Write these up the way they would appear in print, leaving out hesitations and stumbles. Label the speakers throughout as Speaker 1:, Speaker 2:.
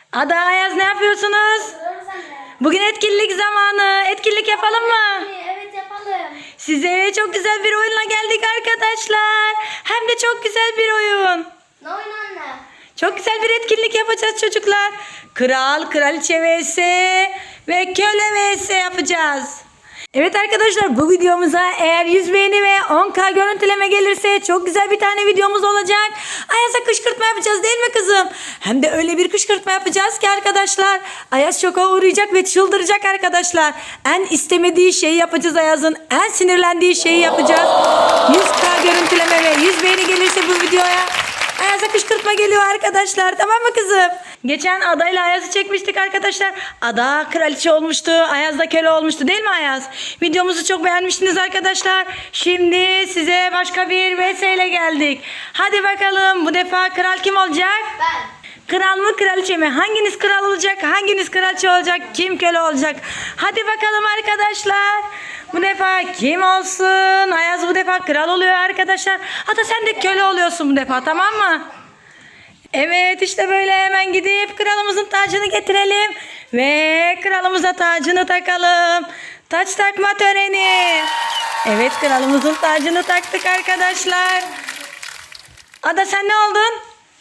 Speaker 1: Ada, Ayaz, ne yapıyorsunuz? Bugün etkinlik zamanı. Etkinlik yapalım mı?
Speaker 2: Evet yapalım.
Speaker 1: Size çok güzel bir oyunla geldik arkadaşlar. Hem de çok güzel bir oyun.
Speaker 2: Ne oyun anne?
Speaker 1: Çok güzel bir etkinlik yapacağız çocuklar. Kral, kraliçe vs ve köle vs yapacağız. Evet arkadaşlar, bu videomuza eğer 100 beğeni ve 10.000 görüntüleme gelirse çok güzel bir tane videomuz olacak. Ayaz'a kışkırtma yapacağız değil mi kızım? Hem de öyle bir kışkırtma yapacağız ki arkadaşlar, Ayaz şoka uğrayacak ve çıldıracak arkadaşlar. En istemediği şeyi yapacağız Ayaz'ın. En sinirlendiği şeyi yapacağız. 100.000 görüntüleme ve 100 beğeni gelirse bu videoya Ayaz'a kışkırtma geliyor arkadaşlar, tamam mı kızım? Geçen Ada ile Ayaz'ı çekmiştik arkadaşlar. Ada kraliçe olmuştu, Ayaz da köle olmuştu değil mi Ayaz? Videomuzu çok beğenmiştiniz arkadaşlar. Şimdi size başka bir vs ile geldik. Hadi bakalım, bu defa kral kim olacak?
Speaker 2: Ben.
Speaker 1: Kral mı kraliçe mi? Hanginiz kral olacak? Hanginiz kraliçe olacak? Kim köle olacak? Hadi bakalım arkadaşlar. Bu defa kim olsun? Ayaz bu defa kral oluyor arkadaşlar. Hatta sen de köle oluyorsun bu defa, tamam mı? Evet, işte böyle hemen gidip kralımızın tacını getirelim. Ve kralımıza tacını takalım. Taç takma töreni. Evet, kralımızın tacını taktık arkadaşlar. Ada, sen ne oldun?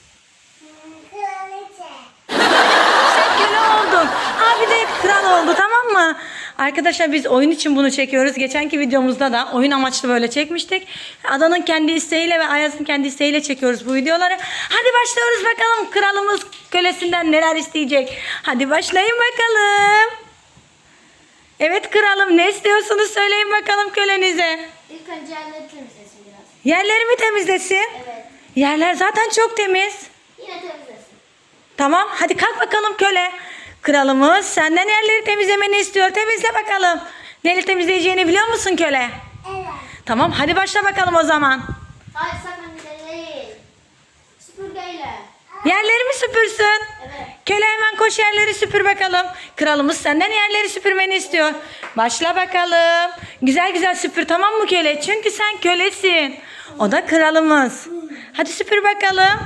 Speaker 1: Sen köle oldun. Abi de kral oldu, tamam mı? Arkadaşlar, biz oyun için bunu çekiyoruz. Geçenki videomuzda da oyun amaçlı böyle çekmiştik. Ada'nın kendi isteğiyle ve Ayaz'ın kendi isteğiyle çekiyoruz bu videoları. Hadi başlıyoruz bakalım. Kralımız kölesinden neler isteyecek. Hadi başlayın bakalım. Evet kralım, ne istiyorsunuz söyleyin bakalım kölenize.
Speaker 2: İlk önce yerleri temizlesin biraz.
Speaker 1: Yerleri mi temizlesin?
Speaker 2: Evet.
Speaker 1: Yerler zaten çok temiz.
Speaker 2: Yine temizlesin.
Speaker 1: Tamam, hadi kalk bakalım köle. Kralımız senden yerleri temizlemeni istiyor. Temizle bakalım. Neyle temizleyeceğini biliyor musun köle?
Speaker 2: Evet.
Speaker 1: Tamam, hadi başla bakalım o zaman.
Speaker 2: Hayır sakın değil. Süpürgeyle.
Speaker 1: Yerleri mi süpürsün?
Speaker 2: Evet.
Speaker 1: Köle, hemen koş yerleri süpür bakalım. Kralımız senden yerleri süpürmeni istiyor. Başla bakalım. Güzel güzel süpür, tamam mı köle? Çünkü sen kölesin. O da kralımız. Hadi süpür bakalım.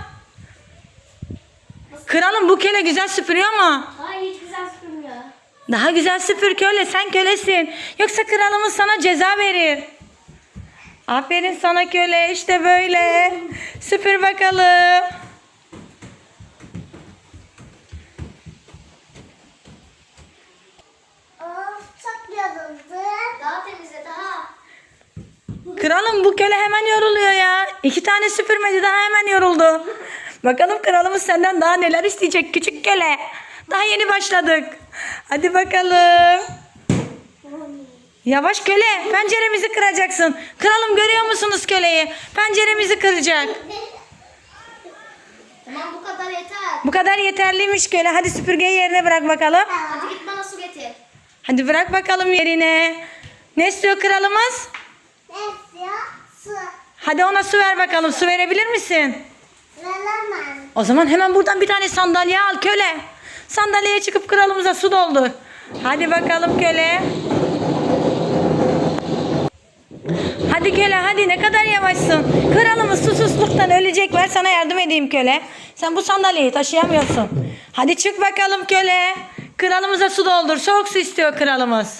Speaker 1: Kralım, bu köle güzel süpürüyor mu?
Speaker 2: Hayır hiç güzel süpürmüyor.
Speaker 1: Daha güzel süpür köle, sen kölesin. Yoksa kralımız sana ceza verir. Aferin sana köle, işte böyle. Süpür bakalım.
Speaker 2: Of çok yoruldu. Daha temizle daha.
Speaker 1: Kralım, bu köle hemen yoruluyor ya. 2 tane süpürmedi, daha hemen yoruldu. Bakalım kralımız senden daha neler isteyecek küçük köle. Daha yeni başladık. Hadi bakalım. Yavaş köle, penceremizi kıracaksın. Kralım, görüyor musunuz köleyi? Penceremizi kıracak.
Speaker 2: Tamam bu kadar yeter.
Speaker 1: Bu kadar yeterliymiş köle. Hadi süpürgeyi yerine bırak bakalım.
Speaker 2: Hadi git bana su getir.
Speaker 1: Hadi bırak bakalım yerine. Ne istiyor kralımız?
Speaker 2: Ne istiyor? Su.
Speaker 1: Hadi ona su ver bakalım. Su verebilir misin?
Speaker 2: Veremem.
Speaker 1: O zaman hemen buradan bir tane sandalye al köle. Sandalyeye çıkıp kralımıza su doldur. Hadi bakalım köle. Hadi köle, hadi, ne kadar yavaşsın. Kralımız susuzluktan ölecek. Ver sana yardım edeyim köle. Sen bu sandalyeyi taşıyamıyorsun. Hadi çık bakalım köle. Kralımıza su doldur. Soğuk su istiyor kralımız.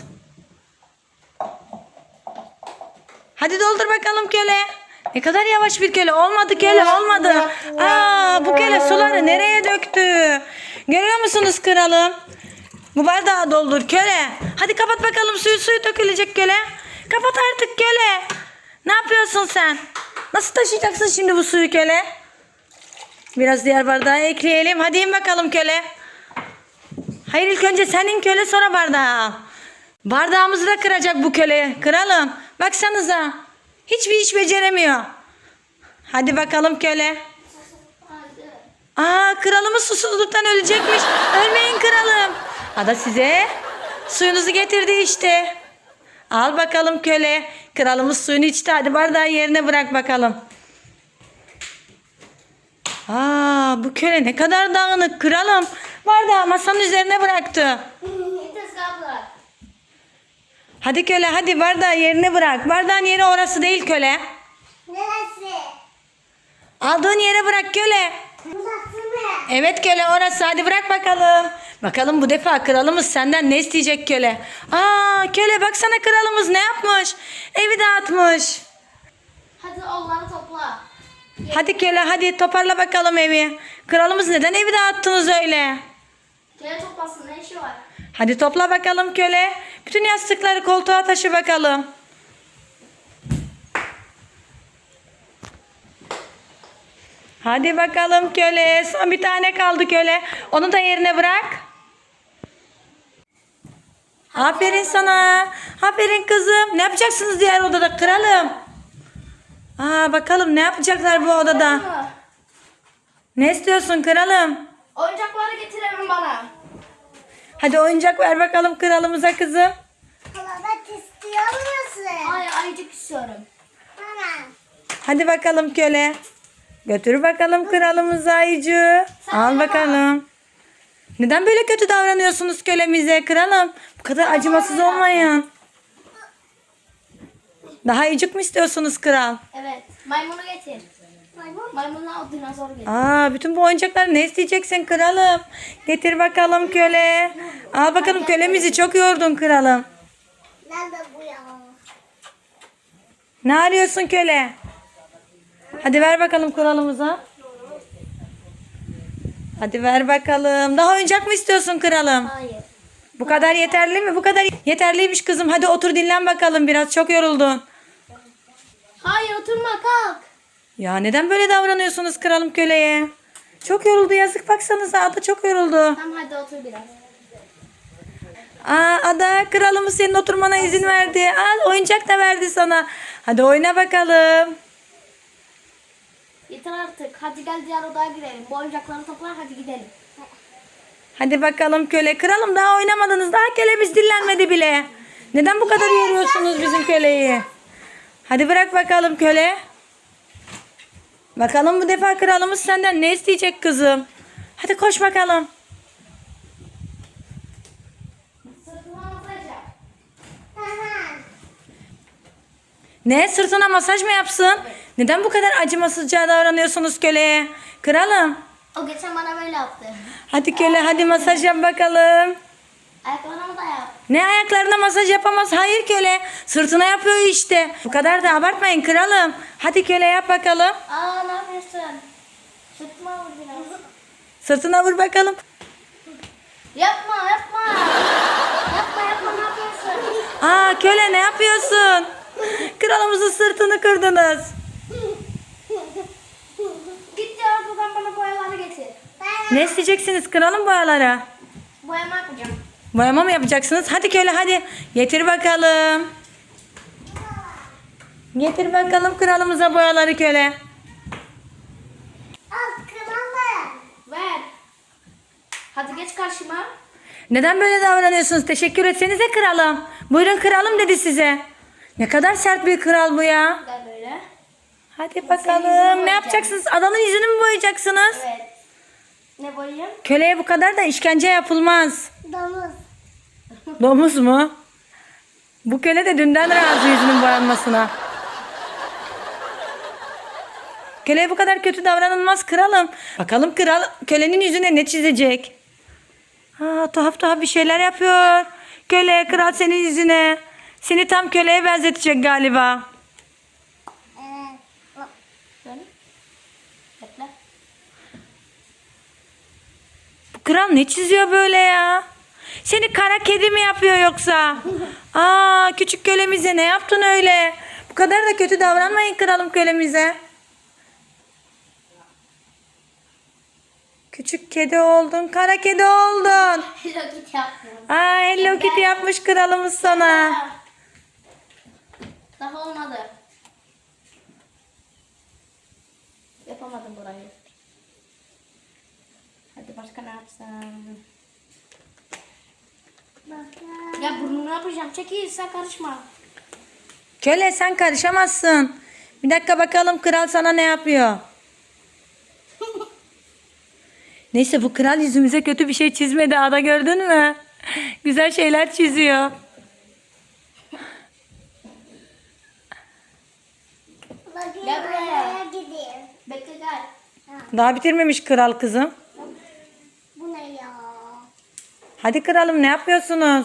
Speaker 1: Hadi doldur bakalım köle. Ne kadar yavaş bir köle. Olmadı köle, olmadı. Bu köle suları nereye döktü? Görüyor musunuz kralım? Bu bardağı doldur köle. Hadi kapat bakalım, suyu dökülecek köle. Kapat artık köle. Ne yapıyorsun sen? Nasıl taşıyacaksın şimdi bu suyu köle? Biraz diğer bardağa ekleyelim. Hadi in bakalım köle. Hayır, ilk önce senin köle, sonra bardağı al. Bardağımızı da kıracak bu köle. Kralım, baksanıza. Hiçbir iş beceremiyor. Hadi bakalım köle.
Speaker 2: Hadi.
Speaker 1: Kralımız susuzluktan ölecekmiş. Ölmeyin kralım. Ada size suyunuzu getirdi işte. Al bakalım köle. Kralımız suyunu içti. Hadi bardağı yerine bırak bakalım. Bu köle ne kadar dağınık kralım. Bardağı masanın üzerine bıraktı.
Speaker 2: Tezgah bırak.
Speaker 1: Hadi köle, hadi bardağı yerine bırak. Bardağın yeri orası değil köle.
Speaker 2: Neresi?
Speaker 1: Aldığın yere bırak köle.
Speaker 2: Burası mı?
Speaker 1: Evet köle orası. Hadi bırak bakalım. Bakalım bu defa kralımız senden ne isteyecek köle? Aa köle baksana kralımız ne yapmış? Evi dağıtmış.
Speaker 2: Hadi onları topla.
Speaker 1: Hadi köle hadi toparla bakalım evi. Kralımız neden evi dağıttınız öyle?
Speaker 2: Köle toplasın, ne işi var?
Speaker 1: Hadi topla bakalım köle. Bütün yastıkları koltuğa taşı bakalım. Hadi bakalım köle. Son bir tane kaldı köle. Onu da yerine bırak. Aferin sana. Aferin kızım. Ne yapacaksınız diğer odada kralım? Aa bakalım ne yapacaklar bu odada? Ne istiyorsun kralım?
Speaker 2: Oyuncakları getirelim bana.
Speaker 1: Hadi oyuncak ver bakalım kralımıza kızım.
Speaker 2: Kalabat istiyor musun? Hayır, ayıcık istiyorum. Bana.
Speaker 1: Hadi bakalım köle. Götür bakalım kralımıza ayıcı. Al bakalım. Neden böyle kötü davranıyorsunuz kölemize kralım? Bu kadar acımasız olmayın. Daha ayıcık mı istiyorsunuz kral?
Speaker 2: Evet, maymunu getir. Maymunla o dinozor getir.
Speaker 1: Aa, bütün bu oyuncakları ne isteyeceksin kralım? Getir bakalım köle. Al bakalım kölemizi çok yordun kralım.
Speaker 2: Nerede bu ya?
Speaker 1: Ne arıyorsun köle? Hadi ver bakalım kralımıza. Hadi ver bakalım. Daha oyuncak mı istiyorsun kralım?
Speaker 2: Hayır.
Speaker 1: Bu kadar yeterli mi? Bu kadar yeterliymiş kızım. Hadi otur dinlen bakalım biraz. Çok yoruldun.
Speaker 2: Hayır, oturma, kalk.
Speaker 1: Ya neden böyle davranıyorsunuz kralım köleye? Çok yoruldu yazık baksanıza Ada çok yoruldu.
Speaker 2: Tamam, hadi otur biraz.
Speaker 1: Aa Ada kralımız senin oturmana izin verdi. Al oyuncak da verdi sana. Hadi oyna bakalım.
Speaker 2: Yeter artık. Hadi gel diğer odaya girelim. Bu oyuncakları topla, hadi gidelim.
Speaker 1: Hadi bakalım köle. Kralım daha oynamadınız. Daha kölemiz dinlenmedi bile. Neden bu kadar yoruyorsunuz bizim köleyi? Hadi bırak bakalım köle. Bakalım bu defa kralımız senden ne isteyecek kızım? Hadi koş bakalım.
Speaker 2: Sırtıma masaj yap.
Speaker 1: Ne sırtına masaj mı yapsın? Neden bu kadar acımasızca davranıyorsunuz köleye? Kralım.
Speaker 2: O geçen bana böyle yaptı.
Speaker 1: Hadi köle hadi masaj yap bakalım.
Speaker 2: Ayaklarımı da yap.
Speaker 1: Ne ayaklarına masaj yapamaz? Hayır köle. Sırtına yapıyor işte. Bu kadar da abartmayın kralım. Hadi köle yap bakalım.
Speaker 2: Aa, ne yapıyorsun? Sırtıma vur biraz.
Speaker 1: Sırtına vur bakalım.
Speaker 2: Yapma, yapma. Yapma, ne yapıyorsun?
Speaker 1: Aa köle ne yapıyorsun? Kralımızın sırtını kırdınız.
Speaker 2: Git diğer odadan bana boyaları getir.
Speaker 1: Ne isteyeceksiniz kralım boyalara?
Speaker 2: Boyama yapacağım.
Speaker 1: Boyama mı yapacaksınız? Hadi köle hadi. Getir bakalım. Getir bakalım kralımıza boyaları köle.
Speaker 2: Al, kralım. Ver. Hadi geç karşıma.
Speaker 1: Neden böyle davranıyorsunuz? Teşekkür etsenize kralım. Buyurun kralım dedi size. Ne kadar sert bir kral bu ya.
Speaker 2: Gel böyle.
Speaker 1: Hadi
Speaker 2: yüzünü
Speaker 1: bakalım. Ne
Speaker 2: boyayacağım.
Speaker 1: yapacaksınız? Adanın yüzünü mü boyayacaksınız?
Speaker 2: Evet. Ne boyayayım?
Speaker 1: Köleye bu kadar da işkence yapılmaz.
Speaker 2: Domuz.
Speaker 1: Domuz mu? Bu köle de dünden razı yüzünün boyanmasına. Köleye bu kadar kötü davranılmaz kralım. Bakalım kral kölenin yüzüne ne çizecek? Tuhaf tuhaf bir şeyler yapıyor. Köle kral senin yüzüne. Seni tam köleye benzetecek galiba.
Speaker 2: Böyle. Bekle.
Speaker 1: Bu kral ne çiziyor böyle ya? Seni kara kedi mi yapıyor yoksa? Küçük kölemize ne yaptın öyle? Bu kadar da kötü davranmayın kralım kölemize. Küçük kedi oldun, kara kedi oldun.
Speaker 2: Hello Kitty yaptım.
Speaker 1: Hello Kitty yapmış kralımız sana.
Speaker 2: Daha olmadı. Yapamadım burayı. Hadi başka ne yapsam? Ya burnunu yapacağım. Çekil, sen karışma.
Speaker 1: Köle sen karışamazsın. Bir dakika bakalım kral sana ne yapıyor. Neyse bu kral yüzümüze kötü bir şey çizmedi. Ada gördün mü? Güzel şeyler çiziyor.
Speaker 2: Gel buraya. Bekle gel.
Speaker 1: Daha bitirmemiş kral kızım. Hadi kralım, ne yapıyorsunuz?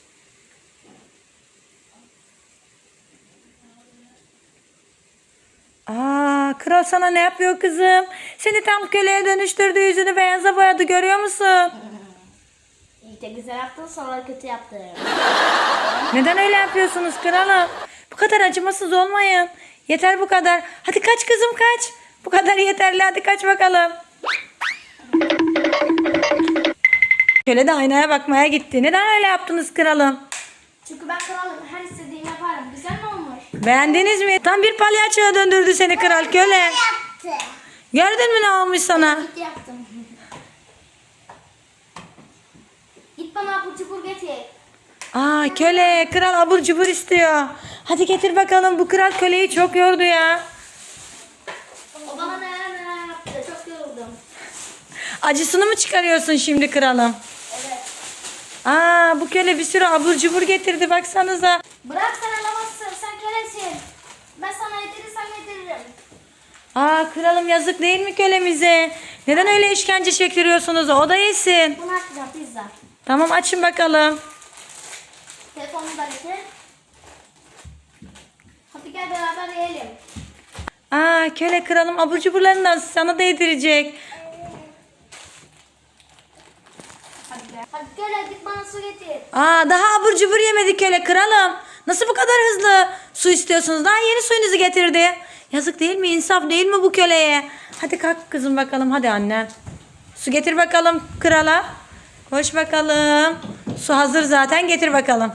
Speaker 1: Aa, kral sana ne yapıyor kızım? Seni tam köleye dönüştürdü, yüzünü beyaza boyadı, görüyor musun?
Speaker 2: İlk de güzel yaptın, sonra kötü yaptın.
Speaker 1: Neden öyle yapıyorsunuz kralım? Bu kadar acımasız olmayın. Yeter bu kadar. Hadi kaç kızım, kaç. Bu kadar yeterli, hadi kaç bakalım. Köle de aynaya bakmaya gitti. Neden öyle yaptınız kralım?
Speaker 2: Çünkü ben kralım, her istediğimi yaparım. Güzel mi olmuş?
Speaker 1: Beğendiniz mi? Tam bir palyaçoya döndürdü seni kral köle.
Speaker 2: Yaptı.
Speaker 1: Gördün mü ne olmuş sana?
Speaker 2: Kötü yaptım. Git bana abur cubur getir.
Speaker 1: Aa, köle, kral abur cubur istiyor. Hadi getir bakalım, bu kral köleyi çok yordu ya.
Speaker 2: O bana neler yaptı. Çok yoruldum.
Speaker 1: Acısını mı çıkarıyorsun şimdi kralım?
Speaker 2: Evet.
Speaker 1: Aa, bu köle bir sürü abur cubur getirdi, baksanıza.
Speaker 2: Bırak, sen alamazsın. Sen kölesin. Ben sana yedirirsem yediririm.
Speaker 1: Aa, kralım yazık değil mi kölemize? Neden öyle işkence çektiriyorsunuz? O da yesin.
Speaker 2: Bunu açacağım, pizza.
Speaker 1: Tamam, açın bakalım.
Speaker 2: Telefonumu da getir. Hadi gel beraber yiyelim.
Speaker 1: Aa, köle, kralım abur cuburlarından sana da yedirecek.
Speaker 2: Hadi gel. Hadi gel, git bana su getir.
Speaker 1: Aa, daha abur cubur yemedi köle kralım. Nasıl bu kadar hızlı su istiyorsunuz? Daha yeni suyunuzu getirdi. Yazık değil mi? İnsaf değil mi bu köleye? Hadi kalk kızım bakalım, hadi annem. Su getir bakalım krala. Koş bakalım. Su hazır zaten, getir bakalım.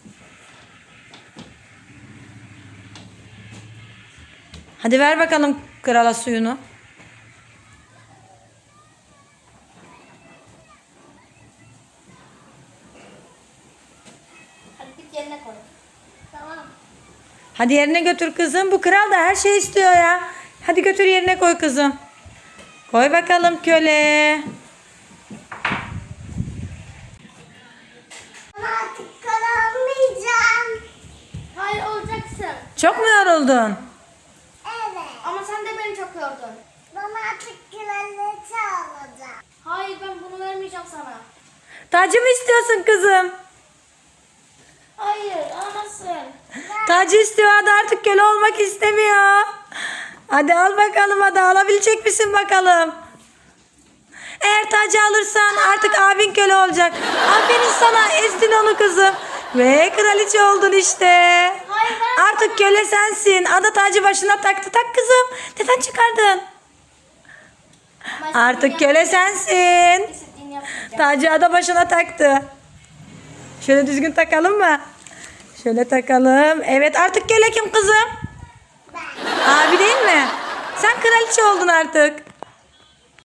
Speaker 1: Hadi ver bakalım krala suyunu.
Speaker 2: Hadi git yerine koy. Tamam.
Speaker 1: Hadi yerine götür kızım. Bu kral da her şey istiyor ya. Hadi götür yerine koy kızım. Koy bakalım köle.
Speaker 2: Artık kalamayacağım. Hayır, olacaksın.
Speaker 1: Çok mu yoruldun?
Speaker 2: Evet. Ama sen de beni çok yordun. Bana artık kraliçe alacağım. Hayır, ben bunu vermeyeceğim sana.
Speaker 1: Tacı mı istiyorsun kızım?
Speaker 2: Hayır, alamazsın.
Speaker 1: Tacı istiyor, hadi artık köle olmak istemiyor. Hadi al bakalım, hadi alabilecek misin bakalım. Eğer tacı alırsan artık abin köle olacak. Aferin sana, ezdin onu kızım. Ve kraliçe oldun işte.
Speaker 2: Hayır, ben...
Speaker 1: Artık köle sensin. Ada tacı başına taktı. Tak kızım. Neden çıkardın? Artık köle sensin.
Speaker 2: İstediğini yapacağım.
Speaker 1: Tacı ada başına taktı. Şöyle düzgün takalım mı? Şöyle takalım. Evet, artık köle kim kızım?
Speaker 2: Ben.
Speaker 1: Abi değil mi? Sen kraliçe oldun artık.